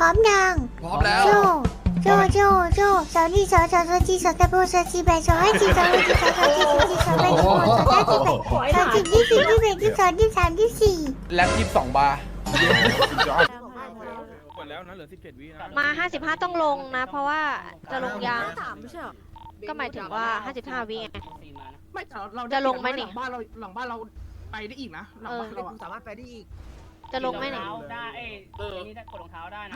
ร้อมยังพร้อมแล้วโจโจสาวนี่สาวจีสาวตะโบสาวจีแบสาวให้จีสาวให้จีสาวจีสาวจีสาวแบสาวสาวจีแบสาวจีที่4 ที่5 ที่ 3 ที่ 4 แล็บ22 บาร์หมดแล้วนะเหลือ17 วินะมา55ต้องลงนะ เพราะว่าจะลงยาง 3ไม่ใช่หรอก็หมายถึงว่า55วิไงไม่แต่เราจะลงไหมนี่หลังบ้านเราไปได้อีกนะหลังบ้านเราสามารถไปได้อีกจะลงไหมนี่ได้นี่ได้กดรองเท้าได้นะ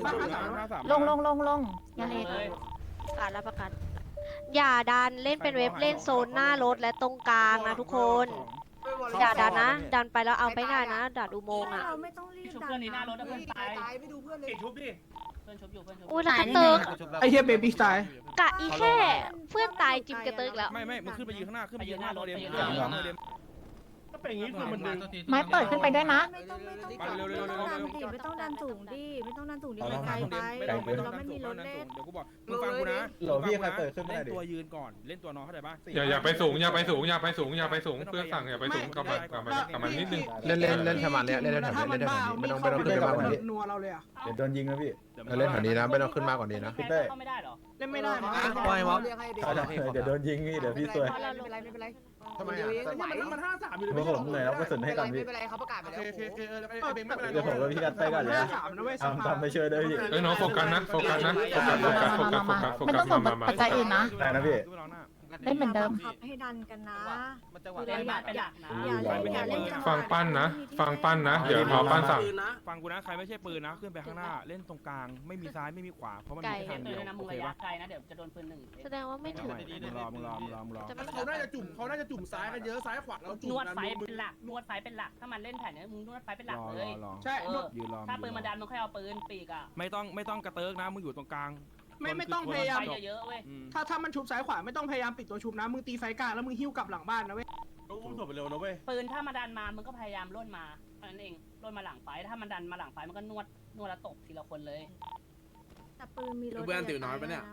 53 ลงยังไงประกาศแล้วประกาศอย่าดันเล่นเป็นเว็บเล่นโซนหน้ารถและตรงกลางนะทุกคนอย่าดันนะ ดันไปแล้วเอาไม่ได้นะดัดอุโมงค์อ่ะเราไม่ต้องรีบชุบดัเพื่อนนี้หน้ารถนะเพื่อนตายไม่ดูเพื่อนเลยชุบดิเพื่อนชุบอยู่เพื่อนชุบอุ้ยแล้วกระเติกไอเฮียเบบี้สไตล์กะอีแค่เพื่อนตายจิมกระเติกแล้วไม่มึงขึ้นไปยืนข้างหน้าขึ้นไปยืนข้างหน้ารถเดมก็เป็นอย่างนี้คือมันดึงไม้เปิดขึ้นไปด้วยนะไม่ต้องดันสูงดิไม่ต้องดันสูงดิมันไกลไป เราไม่มีรถเล่นเดี๋ยวกูบอกมึงฟังกูนะโหลพี่ใครเปิดขึ้นไม่ได้เล่นดิตัวยืนก่อนเล่นตัวน้องเข้าใจป่ะอย่าไปสูงอย่าไปสูงอย่าไปสูงอย่าไปสูงเพื่อนสั่งอย่าไปสูงกลับมานิดนึงเล่นแถวนี้เล่นแถวนี้ไม่ต้องขึ้นมากกว่านี้นัวเราเลยอ่ะเดี๋ยวโดนยิงนะพี่เล่นแถวนี้นะไม่ต้องขึ้นมากกว่านี้นะพี่เต้เข้าไม่ได้หรอเล่นไม่ได้มั้งเดี๋ยวโดนยิงพี่เดี๋ยวพี่ซวยไม่เป็นไรทำไมอ่ะมัน53อยู่เลยเมื่อผมเหนื่อยแล้วก็สุนให้กันพี่ไม่เป็นไรเขาประกาศไปแล้วโอเคไอ้เบงไม่เป็นไรเดี๋ยวผมกับพี่กันไปก่อนเลยทำไปช่วยด้วยพี่เอ้ยน้องโฟกัสนะโฟกัสโฟกัสมาปัจจัยอื่นนะได้นะพี่เล่นเหมือนเดิมให้ดันกันนะเล่นบ้านเป็นหลักนะฟังปั้นนะเดี๋ยวพอปั้นสั่งฟังกูนะใครไม่ใช่ปืนนะขึ้นไปข้างหน้าเล่นตรงกลางไม่มีซ้ายไม่มีขวาเพราะมันมีทางปืเดียวนนะมึโอง เคระยะป่ะไกลนะเดี๋ยวจะโดนปืนหนึ่งแสดงว่าไม่ถึงมึงรอจะไม่เขาน่าจะจุ่มซ้ายกันเยอะซ้ายขวาแล้วจุ่มนวดไฟเป็นหลักนวดไฟเป็นหลักถ้ามันเล่นแผนเนี้ยมึงนวดไฟเป็นหลักเลยใช่ยืนรอถ้าปืนมาดันมึงค่อยเอาปืนปีกอ่ะไม่ต้องกระเติกนะมึงอยู่ตรงกลางไม่ต้องพยายามไฟเยอะๆเว้ยถ้ามันชุบซ้ายขวาไม่ต้องพยายามปิดตัวชุบนะมึงตีไฟกลางแล้วมึงหิ้วกลับหลังบ้านนะเว้ยอุ้มถมไปเร็วนะเว้ยปืนถ้ามาดันมามึงก็พยายามล่นมาเท่านั้นเองล่นมาหลังไฟถ้ามันดันมาหลังไฟมันก็นวดแล้วตบทีละคนเลยแต่ปืนมีรถเพื่อนติ๋วน้อยปะเนี่ย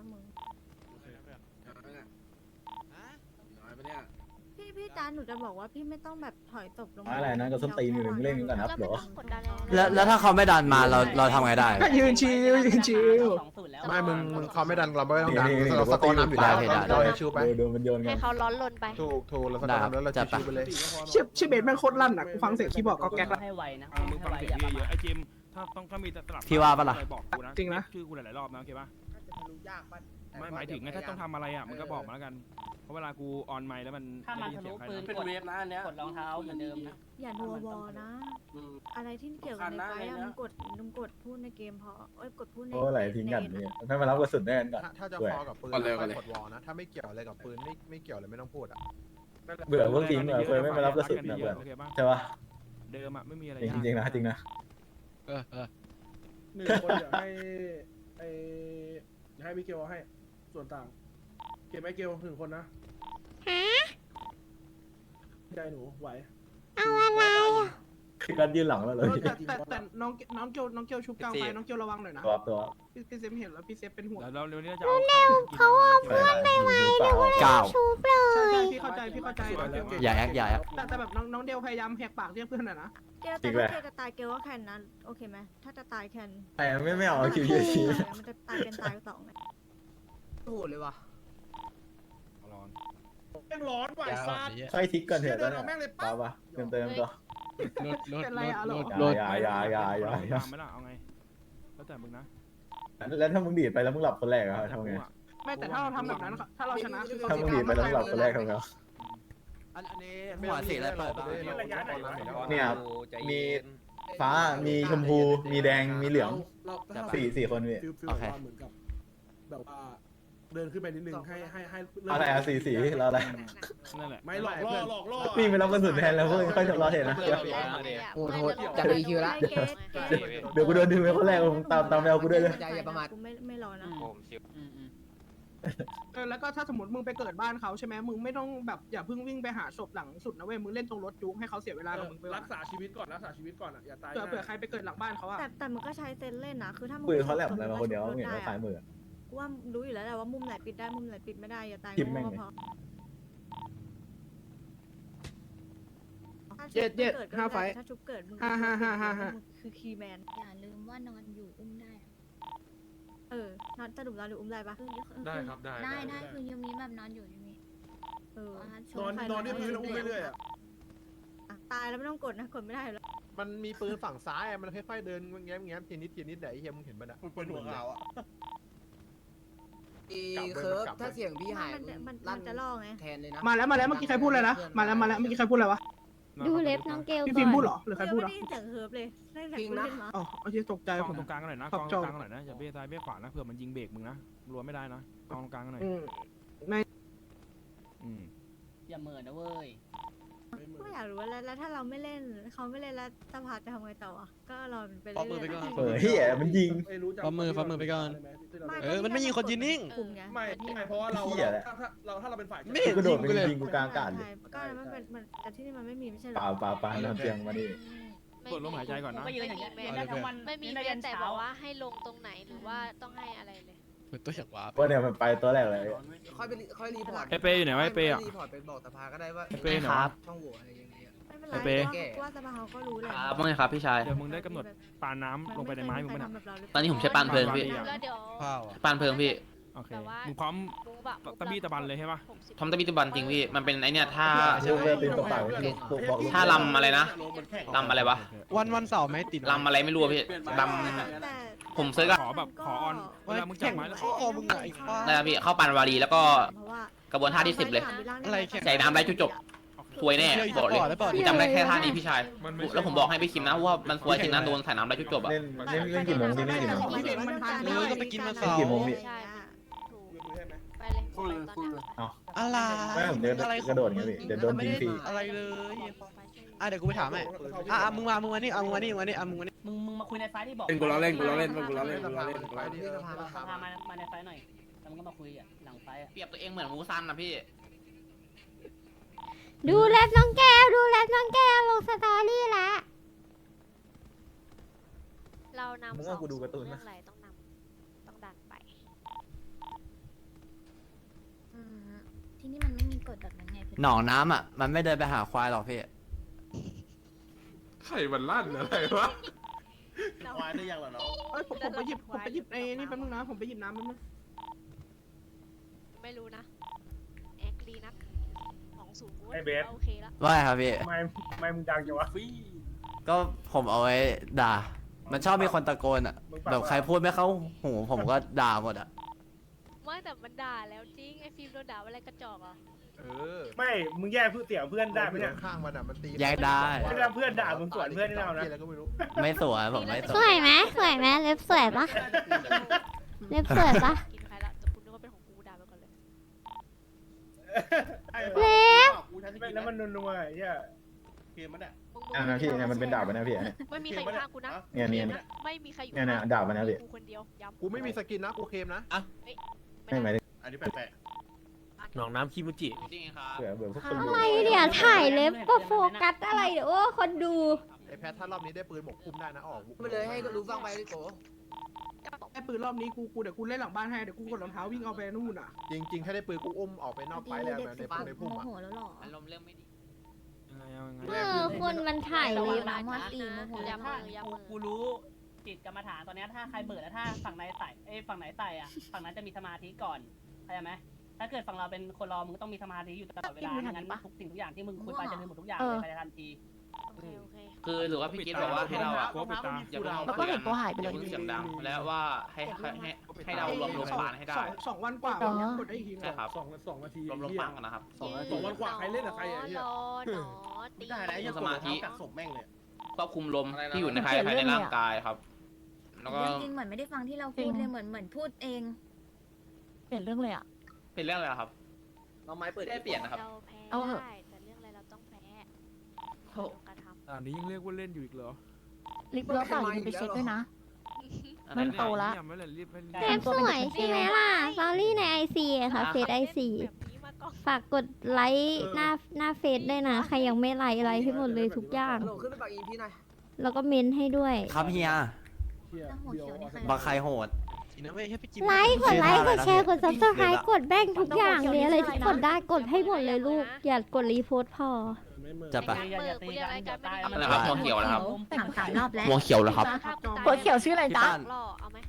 พี่จานหนูจะบอกว่าพี่ไม่ต้องแบบถอยตบลงอะไรนะก็ส้นตีนอยู่เล่นกันก่อนครับก็หรไม่อต้องกดดันอะไรแล้วถ้าเขาไม่ดันมาเราทำไงได้ก็ยืนชิว 2-0แล้วไม่มึงเขาไม่ดันเราไม่ต้องดันเราสกอร์น้ำอยู่แล้วเราชิวไปโดนมันโยนกัให้นเขาร้อนลนไปถูกเราสกอร์น้ำแล้วเราชิวไปเลยชื่อเบสแม่งโคตรลั่นอ่ะกูฟังเสียงคีย์บอร์ดก็แก๊กละให้ไวนะมึงให้ฟังไวเสียอง ย่าประเยมาอะทไอ้จิมถ้ามีสลับพี่ว่าปะล่ะบอกกูนะจริงนะชื่อกูหลายๆรอบนะโอเคป่ะไม่หมายถึงถ้าต้องทำอะไรอ่ะมึงก็บอกมาแล้วกันเพราะเวลากูออนไมค์แล้วมันถ้ามันทะลุปืนเป็นเวฟนะอันเนี้ยกดรองเท้าเหมือนเดิมนะอย่านัววอนะ อะไรที่เกี่ยวกับในไฟมึงกดพูดในเกมพอกดพูดในโอ้ไหลทิ้งกันเนี่ยไม่มารับกระสุนแน่นก่อนถ้าจะฟอกับปืนกดวอลนะถ้าไม่เกี่ยวอะไรกับปืนไม่เกี่ยวเลยไม่ต้องพูดอ่ะเบื่อพวกทีมเคยไม่มารับกระสุนนะเบื่อโอเคป่ะใช่ปะเดิมอ่ะไม่มีอะไรจริงนะจริงนะ 1 คนเดี๋ยวให้มิเกลให้ส่วนต่างเก็บไอเกล1 คนนะใจหนูไหวเอาอะไรอ่ะคือการยืนหลังแล้วเลยแต่น้องเกียวชุบกลางไฟน้องเกียวระวังหน่อยนะตัวพี่เซฟเห็นแล้วพี่เซฟเป็นห่วงแล้วเร็วนี้จะเอาเขาเอาเพื่อนไปไว้หรือว่าชุบเลใช่ยพี่เข้าใจอย่าแอคอย่าแอคแต่แบบน้องเดลพยายามแหกปากเรียกเพื่อนหน่อยนะเกลแต่ถ้าเกลจะตายเกลก็แคนนะโอเคไหมถ้าจะตายแคนแต่ไม่เอาคิวยืนชี้มันจะตายเป็นตาย2ไงโหดเลยว่ะแม่งร้อนไหวซาดใช่ทิกก่อนเถอะตอนนี้ป่าวปะเติมตัวเป็นไรอ่ะหรออย่าไม่ล่ะเอาไงแล้วแต่มึงนะแล้วถ้ามึงดีดไปแล้วมึงหลับคนแรกอะทำไงไม่แต่ถ้าเราทำแบบนั้นถ้าเราชนะคือถ้ามึงดีดไปแล้วมึงหลับคนแรกทำไงอันนี้หัวสีอะไรเปิดบ้างเนี่ยมีฟ้ามีชมพูมีแดงมีเหลือง4 คนพี่ฟิลเหมือนกับแบบว่าเดินขึ้นไปนิดนึงให้อะไรอะสีเราอะไรนั่นแหละไม่หลอกล่อพี่ไม่รับกระสุนแทนแล้วพวกค่อยทะเลาะเห็นนะโหดจะมีคิวละเดี๋ยวกูโดนดึงไปคนแรกมึงตามแมวกูด้วยเลยอย่าประมาทกูไม่รอนะแล้วก็ถ้าสมมติมึงไปเกิดบ้านเขาใช่ไหมมึงไม่ต้องแบบอย่าเพิ่งวิ่งไปหาศพหลังสุดนะเว้ยมึงเล่นตรงรถจุกให้เขาเสียเวลากับมึงไปรักษาชีวิตก่อนอ่ะอย่าตายเผื่อใครไปเกิดหลังบ้านเขาอะแต่มึงก็ใช้เซนเล่นนะคือถ้ามึงปืนเขาแหลมอะไรมาคนเดียวเห็นว่าสายมือว่ารู้อยู่แล้วแหละว่ามุมไหนปิดได้มุมไหนปิดไม่ได้อย่าตายทิมแม่งพอเย็ด5 ไฟถ้าชุบเกิดมึง 5 คือคีย์แมนอย่าลืมว่านอนอยู่อุ้มได้ในอนสรุปนอนหรืออุ้มได้ปะได้ครับได้ได้คือยูมีแบบนอนอยู่ยูมีนอนที่พื้นอุ้มเรื่อยๆอ่ะตายแล้วไม่ต้องกดนะกดไม่ได้แล้วมันมีปืนฝั่งซ้ายมันค่อยๆเดินแง้มทีนิดไหนเฮียมึงเห็นมันอ่ะปืนหัวขาวอ่ะเคิร์ฟถ้าเสียงพี่หายมันจะล่อไงแทนเลยนะมาแล้วเมื่อกี้ใครพูดเลยนะมาแล้วเมื่อกี้ใครพูดอะไรวะดูเล็บน้องเกลพี่ฟิล์มพูดเหรอหรือใครพูดเหรอไม่ได้เสียงเฮิร์บเลยได้แต่จริงกูนะเล่นมาอ๋อโอเคตกใจกผองมตรงกลางกันหน่อยนะครักบองตรงกลางกันหน่อยนะอย่าเบ้ซ้ายเบ้ขวานะเผื่อมันยิงเบรกมึงนะรัวไม่ได้นะกองตรงกลางกันหน่อยอย่าเหม่อนะเว้ยก็อยากรู้ว่าแล้วถ้าเราไม่เล่นเขาไม่เล่นแล้วสภาจะทำไงต่ออ่ะก็รอไปเรื่อยๆเฮียมันยิงฟ้ามือไปก่อนมันไม่ยิงคนยืนนิ่งไม่เพราะว่าเราถ้าเราเป็นฝ่ายไม่กระโดดไปยิงกูกลางอากาศเลยก็มันเป็นแต่ที่นี่มันไม่มีไม่ใช่หรอเปล่าน้ำเตียงมาดิกดลมหายใจก่อนนะก็ยืนอย่างเงี้ยยืนได้ทั้งวันไม่มียืนได้เพียัยงนแต่เช้าบอกว่าให้ลงตรงไหนหรือว่าต้องให้อะไรเลยตัวอยากว้าเพราะเนี่ยมันไปตัวแรกเลยค่อยรีพอร์ตไอเปย์อยู่ไหนวะไอเปย์อ่ะรีพอร์ตเป็นบอกสภาก็ได้ว่าไอเปย์ไหนวะช่องโหว่อะไรอย่างเงี้ยไม่เป็นไรไอ้เป้ว่าสภาเขาก็รู้แหละครับว่าไงครับพี่ชายเดี๋ยวมึงได้กำหนดปาน้ำลงไปในไม้มึงเคมั้ยยทำนะแบบเราหรือเปล่าตอนนี้ผมใช้ปานเพลิงพี่แล้วเดี๋ยวปานเพลิงพี่โอเคแบบว่ามึงพร้อมมูบะตะบี้ตะบันเลยใช่ปะทอมตะบิตบันจริงพี่ มันเป็นไอเนี่ยท่าลูกเรือตีนตัวเปล่าลูกบอกลูกท่าลำอะไรนะลำอะไรวะวันเสาร์ไม่ติดลำอะไรไม่รู้อะพี่ลแต่ำผมซื้อก็ขอแบบขอออนเวลามึงจับไม้แล้วข้อมึงไงป้าได้ครับพี่เข้าปานวารีแล้วก็เพราะว่ากระบวนท่าที่ 10 เลยอะไรแข่งใส่น้ำไรจุดจบซวยแน่บอกเลยผมจำได้แค่ท่านี้พี่ชายมันไม่ใช่แล้วผมบอกให้พี่คิมนะว่ามันซวยจริงนะโดนใส่น้ำไรจุดจบอะเล่นกี่โมงดิเล่นกี่โมงก็ไปกินมาเล่นกี่โมงพี่ใช่ถูกไปเลยไปตอนเนี้ยอะไรไม่ผมเดินกระโดดไงพี่เดี๋ยวโดนยิงฟรีอะไรเลยเดี๋ยวกูไปถามให้มึงมานี่มึงมานี่มึงมาคุยในไฟที่บอกกูล้อเล่นพามาในไฟหน่อยแล้วมึงก็มาคุยอ่ะหลังไฟอ่ะเปรียบตัวเองเหมือนมูซันนะพี่ดูแลบน้องแก้วดูแลบน้องแก้วลงสตอรี่ละเรานำมึงว่ากูดูการ์ตูนเรื่นะองอะไรต้องดันไปที่นี่มันไม่มีกฎแบบนั้นไงหนองน้ำอ่ะมันไม่เดินไปหาควายหรอกพี่ไข่มันลั่นอะไรวะควายได้ยังเหรอเนาะเอ้ยผมไปหยิบไอ้นี่แป๊บนึงนะผมไปหยิบน้ำแป๊บนึงไม่รู้นะแอคลีนักของสูงกูว่าไอ้เบสโอเคละว่าไงครับพี่ไม่มึงดังจังวะก็ผมเอาไว้ด่า มันชอบมีคนตะโกนอ่ะ แบบใครพูดไม่เข้าหูผมก็ด่าหมดอ่ะไม่แต่มันด่าแล้วจริงไอ้ฟิล์มโดนด่าว่าอะไรกระจอกอ่ะไม่มึงแยกเสียงเพื่อนได้ไหมเนี่ยข้างมันมันตีแยกได้ไม่ได้เพื่อนด่ามึงสวนเพื่อนนี่ไม่เอานะอะไรก็ไม่รู้ไม่สวยผมไม่สสววย ยไหมสวยไหมเล็บสวยปะเล็บสวยปะกินใครละแต่คุณนึกว่าเป็นของกูด่าไปก่อนเลยเล็บแล้วมันนัวๆไอ้เหี้ยเกมมันอ่ะนะพี่เนี่ยมันเป็นดาบนะพี่เนี่ยไม่มีใครอยู่ข้างกูนะเนี่ยไม่มีใครอยู่เนี่ยดาบมันนะพี่กูคนเดียวย้ำกูไม่มีสกินนะกูเคมนะไม่หมายถึงอันนี้แปลกหนองน้ำคิมุจิจริงครับเผื่อพวกคนอะไรเนี่ยถ่ายเล็บก็โฟกัสอะไรเดี๋ยวโอ้คนดูไอ้แพทถ้ารอบนี้ได้ปืนหมกคุ้มได้นะออกไปเลยให้รู้ฟังไปดิโกไอ้ปืนรอบนี้กูเดี๋ยวกูเล่นหลังบ้านให้เดี๋ยวกูกดรองเท้าวิ่งเอาไปนู่นอ่ะจริงๆแค่ได้ปืนกูอุ้มออกไปนอกไฟแล้วในพุ่มอ่ะโมโหแล้วหรออารมณ์เรื่องไม่ดีคนมันถ่ายระเล็วังบนะมอสตีโมโหย้ำมือย้ำมือกูรู้จิตกรรมฐานตอนเนี้ยถ้าใครเบิดแล้วถ้าฝั่งไหนใส่ฝั่งไหนใส่อ่ะฝั่งนั้นจะมีสมาธิก่อนเข้าใจไหมถ้าเกิดฝั่งเราเป็นคนรอมึงต้องมีสมาธิอยู่ตลอดเวลาไม่งั้นทุกสิ่งทุกอย่างที่มึงคุยไปจะลืมหมดทุกอย่างเลยภายในทันทีโอเคโอเคคือหรือว่าพี่กิ๊ดบอกว่าให้เราอ่ะโกปิดตาอย่าเพิ่งแล้วก็เห็นตัวหายไปเลยอย่าเพิ่งเสียงดังแล้วว่าให้เรารวมปานให้ได้สองวันกว่าอ๋อกดได้อีกทีใช่ครับสองนาทีรวมปานกันนะครับ 2 วันกว่าใครเล่นกับใครอ่ะรอหนอตีได้นะยังสมาธิกัดศพแม่งเลยควบคุมลมที่อยู่ในภายในร่างกายครับ แล้วก็จริงๆเหมือนไม่ได้ฟังที่เราพูดเลยเหมือนพูดเอง เปลี่ยนเรื่องเลยอ่ะเป็นเรื่องอะไรครับเราไม้เปิดได้เปลี่ยนนะครับเราแพ้เอาเหอะได้แต่เรื่องอะไรเราต้องแพ้โหกระทำอันนี้ยังเรียกว่าเล่นอยู่อีกเหรอลิฟต์แล้วเปล่าอย่าลืมไปเช็คด้วยนะ มันโตละยังไม่เลยรีบให้รีบเล็บสวยใช่ไหมล่ะสตอรี่ในไอซีค่ะเฟซไอซีแบบนี้มาก่อนฝากกดไลค์หน้าเฟซด้วยนะใครยังไม่ไลค์ให้หมดเลยทุกอย่างขึ้นไปปากอีพี่หน่อยแล้วก็เมนให้ด้วยครับเฮียแล้วหัวเขียวนี่ใครบางใครโหดนะเว้ยให้ไปกินไลค์กดแชร์กดซับสไครต์กดแบ่งทุกอย่างเลยอะไรที่กดได้กดให้หมดเลยลูก อย่ากดรีโพสต์พอจะปะอย่าตีกันอะไรนะครับหัวเขียวนะครับถาม3 รอบแล้วหัวเขียวเหรอครับหัวเขียวชื่ออะไรจ๊ะล่อเอาไหม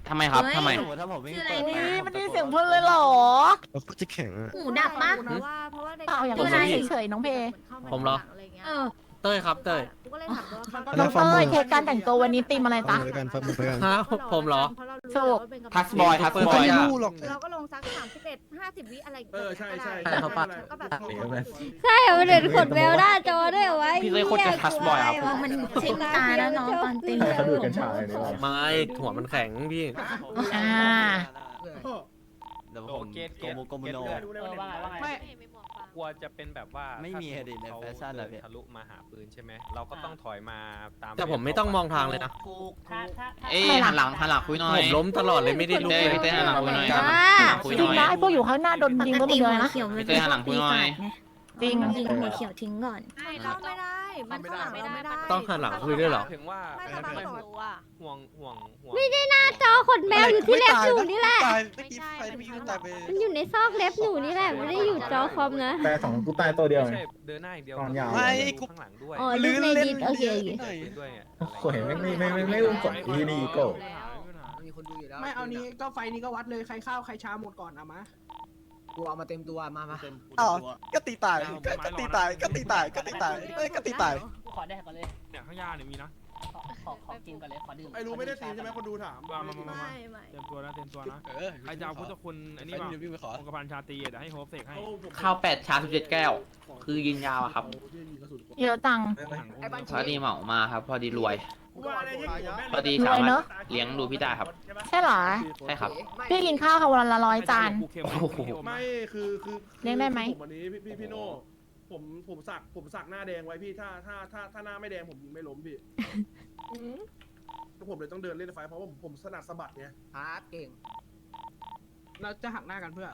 ทำไมครับทำไมสมมติถ้าผมไม่ชื่ออะไรเปิดเนี่ยไฟมันได้เสียงเพื่อนเลยเหรอจะแข็งหูดับปะเปล่าอย่างชื่ออะไรนี้เฉยๆน้องเพผมเหรอเออเต้ยครับเต้ยน้องเต้ยเทสการแต่งตัววันนี้ตีมอะไรจ๊ะกันฟังมือกันฮะผมเหรอถูกทัสบอยทัสบอยเราก็ลงสัก31-50 วิอะไรใช่ใช่ใช่เขาปะก็แบบใช่เหรอมันเดินขดแววหน้าจอด้วยเอาไว้พี่เลยโคตรจะทัสบอยครับมันชิงตาแล้วน้องตอนตีเขาดูดกัญชาเลยนี่หว่าไม่หัวมันแข็งพี่อ่าเดี๋ยวผมโกโมโนว่าไงว่าไงไม่กลัวจะเป็นแบบว่าไม่มีถ้าอะดิในเขาแฟชั่นอะพี่ทะลุมาหาปืนใช่ไหมเราก็ต้องถอยมาตามแต่ผมไม่ต้องมองทางเลยนะถูกถ้าเอ้ยหันหลังคุยหน่อยผมล้มตลอดเลยไม่ได้ลุกเลยพี่เต้หันหลังคุยหน่อยจริงนะไอ้พวกอยู่ข้างหน้าโดนยิงก็หมดเลยนะพี่เต้หันหลังคุยหน่อยจริงยิงหัวเขียวทิ้งก่อนเราไม่ได้ มันข้างหลังเราไม่ได้ต้องหันหลังคุยด้วยเหรอถึงว่าไม่สบายตัวห่วงไม่ได้หน้าจอขนแมวอยู่ที่เล็บหนูนี่แหละไม่ใช่มันข้างหลังมันอยู่ในซอกเล็บหนูนี่แหละไม่ได้อยู่จอคอมนะแต่สองกูตายตัวเดียวไม่ไงใช่เดินหน้าอย่างเดียวตอนยาวข้างหลังด้วยอ๋อลูกในดินโอเคโอเคด้วยอ่ะโอ้ยไม่อุ้มกดอีนี่อีโก้ไม่เอานี้ก็ไฟนี้ก็วัดเลยใครข้าวใครช้าหมดก่อนเอามากูเอามาเต็มตัวมาอ๋อก็ตีตายก็ตีตายกูขอได้ก่อนเลยเนี่ยข้างย่าเนี่ยมีนะขอกินก่อนเลยขอดื่มไอ้รู้ไม่ได้ตีใช่ไหมคนดูถามมาเตรียมตัวนะใครจะเอาพุทธคุณอันนี้ป่ะองค์กรพันชาตรีเดี๋ยวให้โฮปเสกให้ข้าว8ชา17แก้ว คือยิงยาวอะครับเยอะจังพอดีเหมามาครับ พอดีรวย พอดีรสาวยมารเนถอะเลี้ยงดูพี่ได้ครับใช่เหรอใช่ครับพี่กินข้าวค่ะวันละ100 จานไม่คือเลี้ยงได้ไหมผมวันนี้พี่โน่ผมสักหน้าแดงไว้พี่ถ้าหน้าไม่แดงผมยิงไม่ล้มพี่ผมเลยต้องเดินเล่นไฟเพราะว่าผมถนัดสะบัดไงเก่งเราจะหักหน้ากันเพื่อ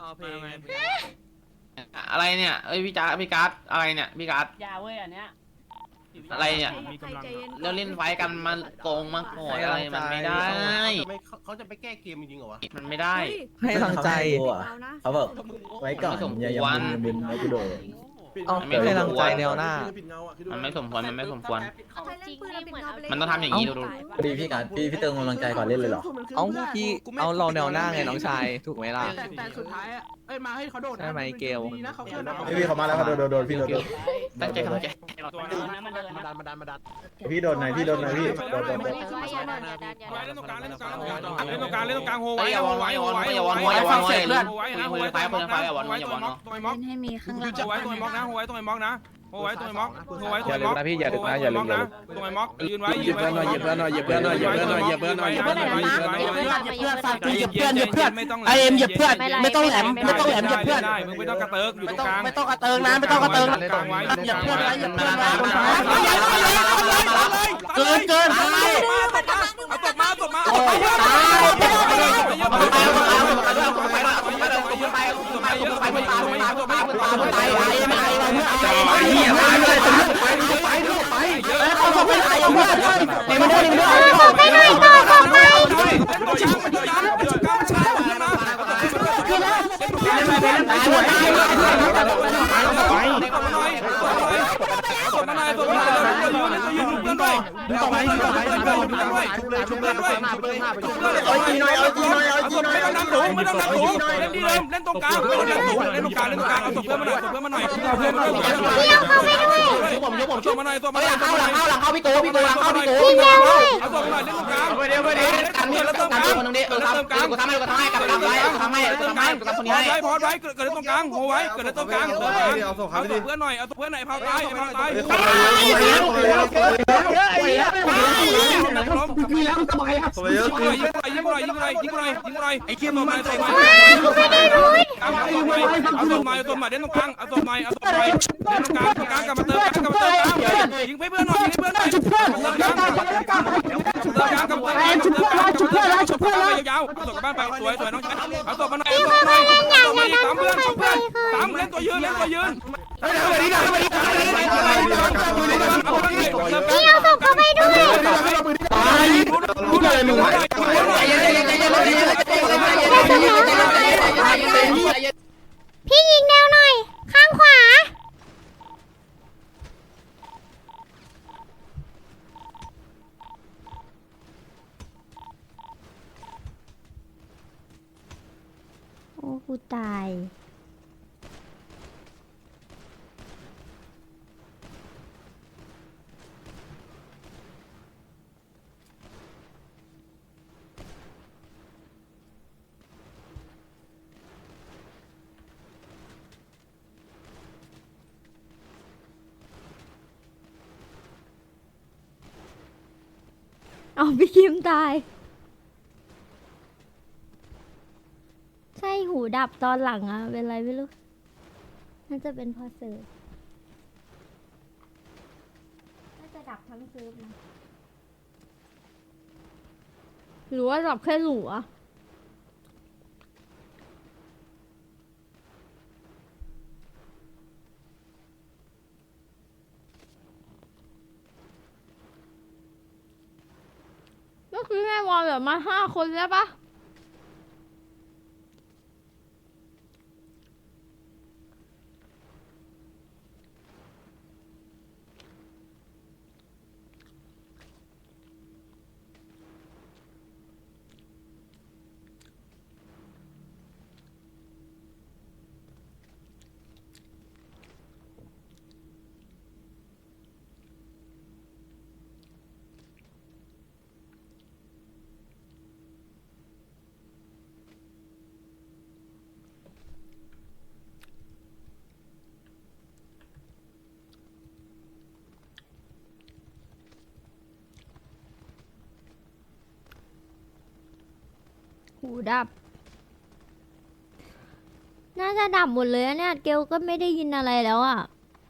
อะไรเนี่ย เอ้ยพี่การ์ดอะไรเนี่ย พี่การ์ดยาเว้ยอันเนี้ยอะไรเนี่ยมีกำลังแล้วเล่นไฟกันมาโกงมาโกดอะไรมันไม่ได้เขาจะไปแก้เกมจริงเหรอวะมันไม่ได้ให้กำลังใจเขาบอกไว้ก่อนอย่ามึนไว้กูโดดมันไม่ให้กำลังใจแนวหน้าปิดเงาอ่ะมันไม่สมควร มันไม่สมควรจริงนี่เหมือนเอาไปมันต้องทำอย่างนี้ดูพอดีพี่การพี่เติมกำลังใจก่อนเล่นเลยเหรอเอาพี่เอาเราแนวหน้าไงน้องชายถูกไหมล่ะแต่สุดท้ายอ่ะเอ้ยมาให้เขาโดดนะใช่ไหมเกลดีนะเขาเกินนะพี่เขามาแล้วเขาโดนพี่โดนตั้งใจมันเดินนะมันเดินนะดันพี่โดนไหนพี่โดนไหนพี่โดนเล่นตรงกลางเล่นตรงกลางเล่นตรงกลางเล่นตรงกลางโฮไว้อย่าวอนไว้อย่าวอนไว้อย่าวอนไว้อย่าวอนไว้เพื่อนคุยไฟคนไฟอย่าวอนอย่าวอนเนาะตัวไอ้ม็อกให้มีข้างหลังโฮไว้ตัวไอ้ม็อกนะโฮไว้ตัวไอ้ม็อกนะโฮไว้ตัวไอ้ม็อกโฮไว้ตัวไอ้ม็อกพี่อย่าดึกนะอย่าลืมนะตัวไอ้ม็อกยืนไว้ยืนไว้เหยียบเพื่อนหน่อยเหยียบเพื่อนหน่อยเหยียบเพื่อนหน่อยเหยียบเพื่อนหน่อยเหยียบเพื่อนหน่อยเหยียบเพื่อนหน่อยเหยียบเพื่อนไม่ต้องเหยียบเพื่อนเหยียบเพื่อนมึงไม่ต้องกระเติกอยู่ตรงกลางไม่ต้องกระเติงนะไม่ต้องกระเติงกลางไว้เหยียบเพื่อนไว้เหยียบเพื่อนไว้เกินเอาตบมาตบมาเล่นตรงกลางเล่นตรงกลางเอาศพเพื่อนมาหน่อยเอาศพเพื่อนมาหน่อยเอาเพื่อนมาหน่อยผมชมมาหน่อยศพมาหน่อยเข้าหลังเข้าพี่ตูหลังเข้าพี่ตูเอาศพมาหน่อยเล่นตรงกลางไปเดี๋ยวกันตรงกลางคนนึงดิทำให้กับทำให้กับทำคนนี้ให้พอไว้เกิดตรงกลางโหไว้เกิดตรงกลางเอาศพเพื่อนหน่อยเอาศพเพื่อนไหนพาตายพาตายมีแล้วทำไมครับยิงอะไรไอ้เขี้ยมมาเอาศพมาเล่นตรงกลางเอาศพมาเล่นตรงกลางกลับมาเติมยิงเพื่อนหน่อยยาวเอาศพกลับบ้านไปสวยน้องเอาศพมาหน่อยสามเล่นตัวยืนพี่เอาศพเข้าไปด้วยพี่ยิงแนวหน่อยข้างขวากูตายเอาพี่คิมตายใช่หูดับตอนหลังอะเป็นไรไม่รู้น่าจะเป็นพอเสิร์ฟน่าจะดับทั้งเซิร์ฟนะหรือว่าดับแค่หลัวก็คือแม่วอลแบบมา5 คนแล้วปะหูดับน่าจะดับหมดเลยอะเนี่ยเกลก็ไม่ได้ยินอะไรแล้วอ่ะ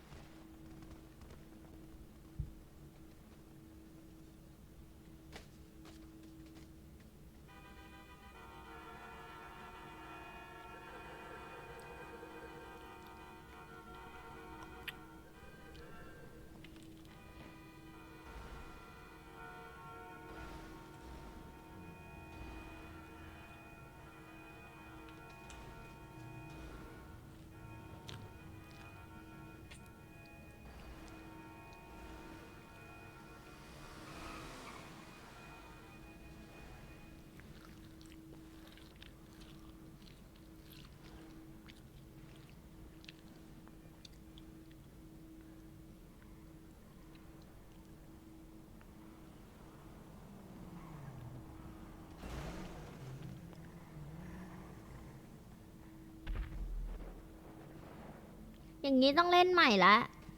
อย่างนี้ต้องเล่นใหม่ละ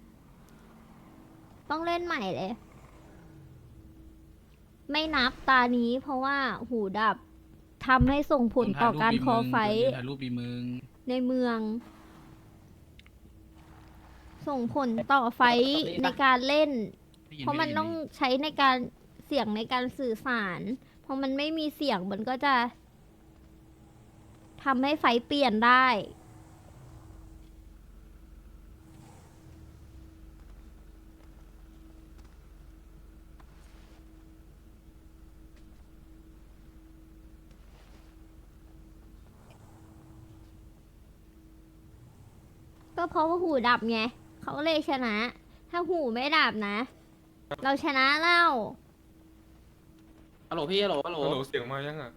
ต้องเล่นใหม่เลยไม่นับตานี้เพราะว่าหูดับทำให้ส่งผลต่อการคอไฟท์ในเมืองส่งผลต่อไฟท์ในการเล่นเพราะมันต้องใช้ในการเสียงในการสื่อสารพอมันไม่มีเสียงมันก็จะทำให้ไฟท์เปลี่ยนได้ก็เพราะว่าหูดับไงเขาเลยชนะถ้าหูไม่ดับนะ เราชนะเล่าฮัลโหลพี่ฮัลโหลฮัลโหลฮัลโหลเสียงมายังอ่ะ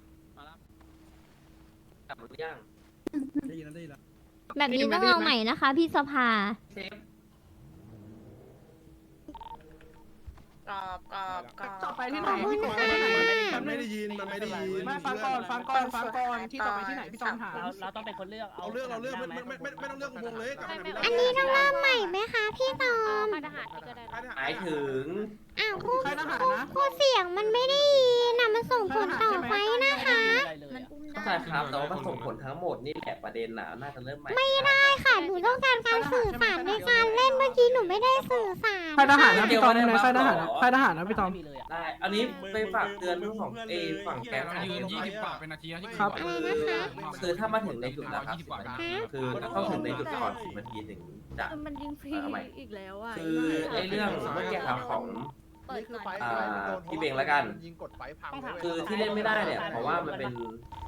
กลับมาหรือยังได้ยินแล้วได้ยินแล้วแบบนี้ต้องเอาใหม่นะคะพี่สภาเซฟกรอบต่อไปที่ไหนพี่กบมันไม่ได้ยินมันไม่ได้ยินไม่ฟังก่อนที่ต่อไปที่ไหนพี่ตอมถามเราต้องเป็นคนเลือกเอาเรื่องไม่ต้องเลือกวงเลยกลับมาอันนี้ต้องเริ่มใหม่ไหมคะพี่ตอมค่ายทหารนี่ก็ได้หมายถึงอ้าวคู่เสียงมันไม่ได้ยินนะมันส่งผลต่อไฟนะคะมันอุ้มเข้าใจครับแต่ว่ามันส่งผลทั้งหมดนี่แหละประเด็นน่ะน่าจะเริ่มใหม่ไม่ได้ค่ะหนูต้องการการสื่อสารในการเล่นเมื่อกี้หนูไม่ได้สื่อสารค่ายทหารนะพี่ตอมในค่ายทหารนะพี่ตอมได้อันนี้ไปฝากเตือนเรื่องของฝั่งแก๊งยืน20 กว่าเป็นนาทีที่ครับอะไรนะคะคือถ้ามาถึงในจุดแล้วครับคือต้องถึงในจุดก่อน10 นาทีถึงจะมันยิงฟรีอีกแล้วอ่ะคือไอ้เรื่องเมื่อกี้ครับของเปิดหน่อยพี่เบงแล้วกันยิงกดไฟพังคือที่เล่นไม่ได้เนี่ยเพราะว่ามันเป็น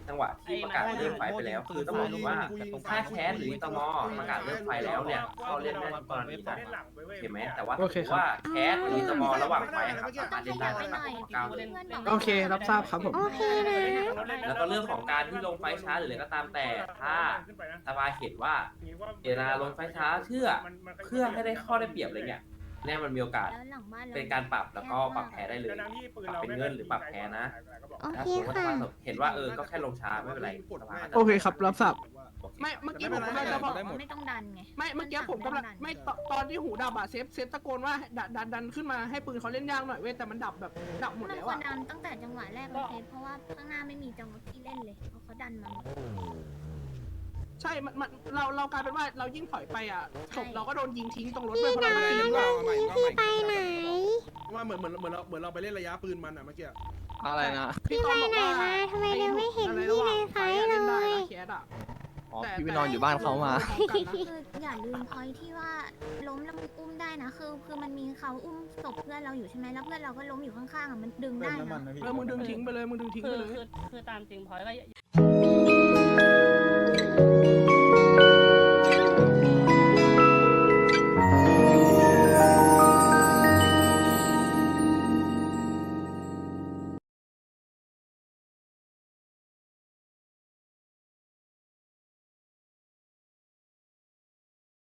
จังหวะที่ประกาศเริ่มไฟไปแล้วคือต้องบอกว่าถ้าแคสหรือตมประกาศเริ่มไฟแล้วเนี่ยเขาเล่นได้ทุกกรณีนะเห็นไหมแต่ว่าถือว่าแคสหรือตมระหว่างไฟครับสามารถเล่นได้ก้าวโอเครับทราบครับผมโอเคนะแล้วก็เรื่องของการที่ลงไฟช้าหรืออะไรก็ตามแต่ถ้าสภาเห็นว่าเวลาลงไฟช้าเพื่อให้ได้ข้อได้เปรียบอะไรเงี้ยเนี่ยมันมีโอกาสแล้วหลังบ้านเราเป็นการปรับแล้วก็ปรับแพ้ได้เลยปรับเป็นเงินหรือปรับแพ้นะโอถ้าเคสมมติว่าค่ะเห็นว่าก็แค่ลงช้าไม่เป็นไรสภาก็จะโอเคครับรับทราบโอเคไม่เมื่อกี้ผมกำลังจะบอกไม่ต้องดันไงไม่เมื่อกี้ผมกำลังไม่ตอนที่หูดับอะเซฟตะโกนว่าดันขึ้นมาให้ปืนเขาเล่นยากหน่อยเว้ยแต่มันดับแบบดับหมดมันแล้วควรอะดันตั้งแต่จังหวะแรกเลยเซฟเพราะว่าข้างหน้าไม่มีจังหวะที่เล่นเลยเพราะเขาดันมาหมดใช่มันเรากลายเป็นว่าเรายิ่งถอยไปอะศพเราก็โดนยิงทิ้งตรงรถพี่เพราะเราน้ไม่ได้ยิงพี่ไปไหนว่าเหมือนเราไปเล่นระยะปืนมันอ่ะเมื่อกี้อะไรนะพี่ไปไหนมาทำไมเดี๋ยวไม่เห็นพี่ในไฟเลยแคสอะอ๋อพี่ไปนอนอยู่บ้านเขามาคืออย่าลืมพอยที่ว่าล้มแล้วมึงอุ้มได้นะคือมันมีเขาอุ้มศพเพื่อนเราอยู่ใช่ไหมแล้วเพื่อนเราก็ล้มอยู่ข้างๆอ่ะมันดึงได้นะมึงดึงทิ้งไปเลยมึงดึงทิ้งไปเลยคือตามจริงพอยก็